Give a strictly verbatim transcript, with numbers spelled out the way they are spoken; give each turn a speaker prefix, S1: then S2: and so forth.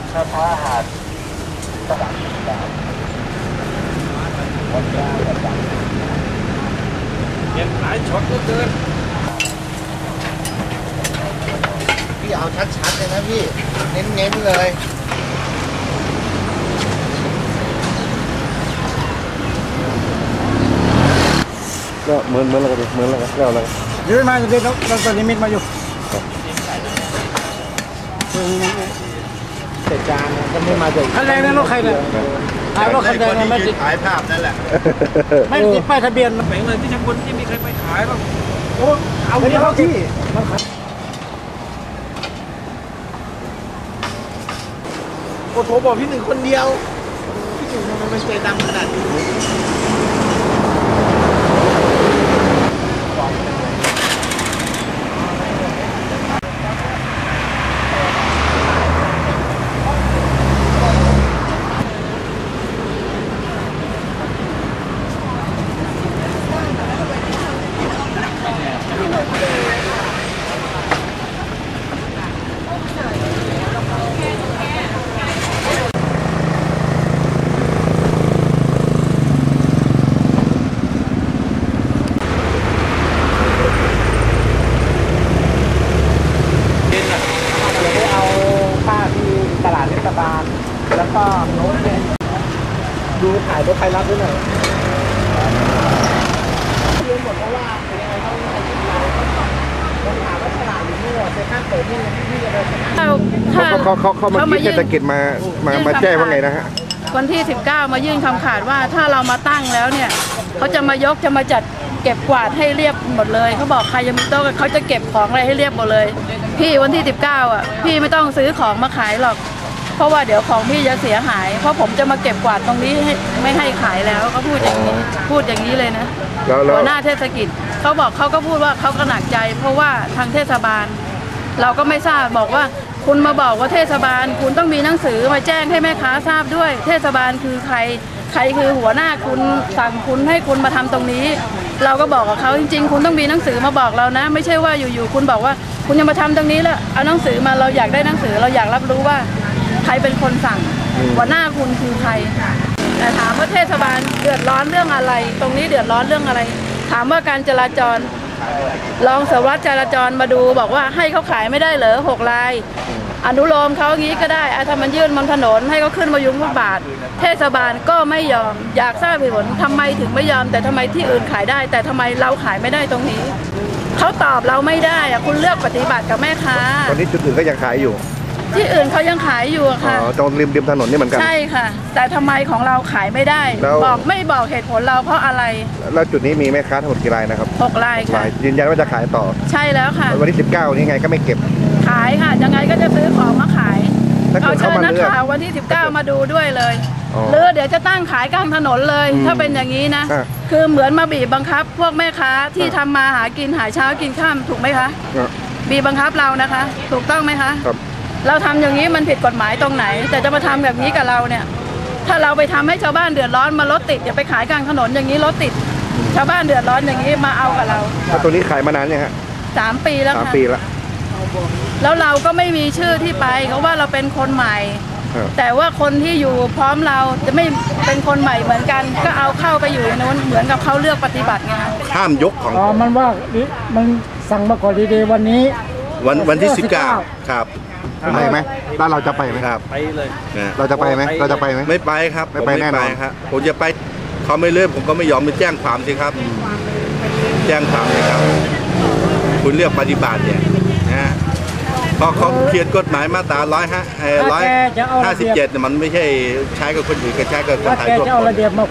S1: ถ้าท้าหาดตลาดต่างวันนี้ประจำ
S2: เห็นหลายช็อตก็เกิน
S1: พี่เอาชัดๆเลยนะพี่เน้นๆเลย
S3: ก็เหมือนเหมือนแล้วกันเหมือนแล้วกันแล้วแล้ว
S4: ยืนมาจะเด็ดเราตอนนี้มิดมาอยู่
S1: แต่จานก็ไม่มาจาก
S4: คันแรงนั่นรถใครเนี่ยถ่ายรถคันแดงไม่ติด
S1: ถ่ายภาพนั่นแหละ
S4: ไม่ติดป้ายทะเบียน
S2: แบ่งเลยที่ช่างคนที่มีใครไปขายบ้าง
S4: โอ้เอาไปเข้าที่
S1: โอ้โหบอกพี่หนึ่งคนเดียวพี่หนึ่งทำไมไม่ช่วยดำขนาดนี้แล้วก็โน้ตเนี่ยดูถ่ายรถไฟรับด้วยหน่อยเรียนหมดเพราะว่าเป็นยังไงเขาไม่ให้เราต้องถามว่าฉลาดหรือไม่เซ็นทรัลเปิดนี่ที่จะเลย
S3: เขาเขาเขาเขาเมื่อกี้เทศกิจมามามาแจ้งว่าไงนะฮะ
S5: วันที่สิบเก้ามายื่นคำขาดว่าถ้าเรามาตั้งแล้วเนี่ยเขาจะมายกจะมาจัดเก็บกวาดให้เรียบหมดเลยเขาบอกใครจะมีโต๊ะเขาจะเก็บของอะไรให้เรียบหมดเลยพี่วันที่สิบเก้าอ่ะพี่ไม่ต้องซื้อของมาขายหรอกเพราะว่าเดี๋ยวของพี่จะเสียหายเพราะผมจะมาเก็บกวาดตรงนี้ให้ไม่ให้ขายแล้วเขาพูดอย่างนี้พูดอย่างนี้เลยนะหัวหน้าเทศกิจเขาบอกเขาก็พูดว่าเขาก็หนักใจเพราะว่าทางเทศบาลเราก็ไม่ทราบบอกว่าคุณมาบอกว่าเทศบาลคุณต้องมีหนังสือมาแจ้งให้แม่ค้าทราบด้วยเทศบาลคือใครใครคือหัวหน้าคุณสั่งคุณให้คุณมาทำตรงนี้เราก็บอกกับเขาจริงๆคุณต้องมีหนังสือมาบอกเรานะไม่ใช่ว่าอยู่ๆคุณบอกว่าคุณจะมาทำตรงนี้แล้วเอาหนังสือมาเราอยากได้หนังสือเราอยากรับรู้ว่าใครเป็นคนสั่งหัวหน้าคุณคือใครแต่ถามว่าเทศบาลเดือดร้อนเรื่องอะไรตรงนี้เดือดร้อนเรื่องอะไรถามว่าการจราจรรองสารวัตรจราจรมาดูบอกว่าให้เขาขายไม่ได้เหรอหกรายอนุโลมเขางี้ก็ได้ถ้ามันยื่นบนถนนให้เขาขึ้นมายุงฟุตบาทเทศบาลก็ไม่ยอมอยากทราบเหตุผลทำไมถึงไม่ยอมแต่ทำไมที่อื่นขายได้แต่ทำไมเราขายไม่ได้ตรงนี้เขาตอบเราไม่ได้อะคุณเลือกปฏิบัติกับแม่ค้า
S3: ตอนนี้จุดอื่นก็ยังขายอยู่
S5: ที่อื่นเขายังขายอยู่ค่ะ
S3: อ๋อตรงริมริมถนนนี่เหมือนกัน
S5: ใช่ค่ะแต่ทำไมของเราขายไม่ได้บอกไม่บอกเหตุผลเราเพราะอะไร
S3: แล้วจุดนี้มีแม่ค้าทั้งหมดกี่รายนะครับ
S5: หกรายค่ะ
S3: ยืนยันว่าจะขายต่อ
S5: ใช่แล้วค่ะ
S3: วันที่สิบเก้านี้ไงก็ไม่เก็บ
S5: ขายค่ะยังไงก็จะซื้อของมาขายเอาเชิญนักข่าววันที่สิบเก้ามาดูด้วยเลยหรือเดี๋ยวจะตั้งขายกลางถนนเลยถ้าเป็นอย่างนี้นะคือเหมือนมาบีบบังคับพวกแม่ค้าที่ทำมาหากินหาเช้ากินค่ำถูกไหมคะบีบบังคับเรานะคะถูกต้องไหมคะเราทำอย่างนี้มันผิดกฎหมายตรงไหนแต่จะมาทำแบบนี้กับเราเนี่ยถ้าเราไปทำให้ชาวบ้านเดือดร้อนมารถติดอย่าไปขายกลางถนนอย่างนี้รถติดชาวบ้านเดือดร้อนอย่างนี้มาเอากับเรา
S3: แล้วตัวนี้ขายมานานยังฮะ
S5: สามปีแล้ว
S3: ค่ะสามปีแล้ว
S5: แล้วเราก็ไม่มีชื่อที่ไปเขาว่าเราเป็นคนใหม่แต่ว่าคนที่อยู่พร้อมเราจะไม่เป็นคนใหม่เหมือนกันก็เอาเข้าไปอยู่ในนู้นเหมือนกับเขาเลือกปฏิบัติไง
S3: ห้ามยกของ
S4: อ๋อมันว่ามันสั่งมาก่อนดีๆวันนี้
S3: วันวันที่สิบเก้าครับไปไหมแล้วเราจะไปไหมครับ
S2: ไปเลย
S3: เราจะไปไหมเราจะไปไหม
S6: ไม่ไปครับ
S3: ไม่ไปแน่นอน
S6: ครับผมจะไปเขาไม่เลื่อนผมก็ไม่ยอมไปแจ้งความสิครับแจ้งความเลยครับคุณเลือกปฏิบัติเนี่ยนะพอเขาเขียนกฎหมายมาตราร้อยห้าร้อยห้าสิบเจ็ดมันไม่ใช่ใช้กับคนอื่นก็ใช้กับคนไทยทั่วไป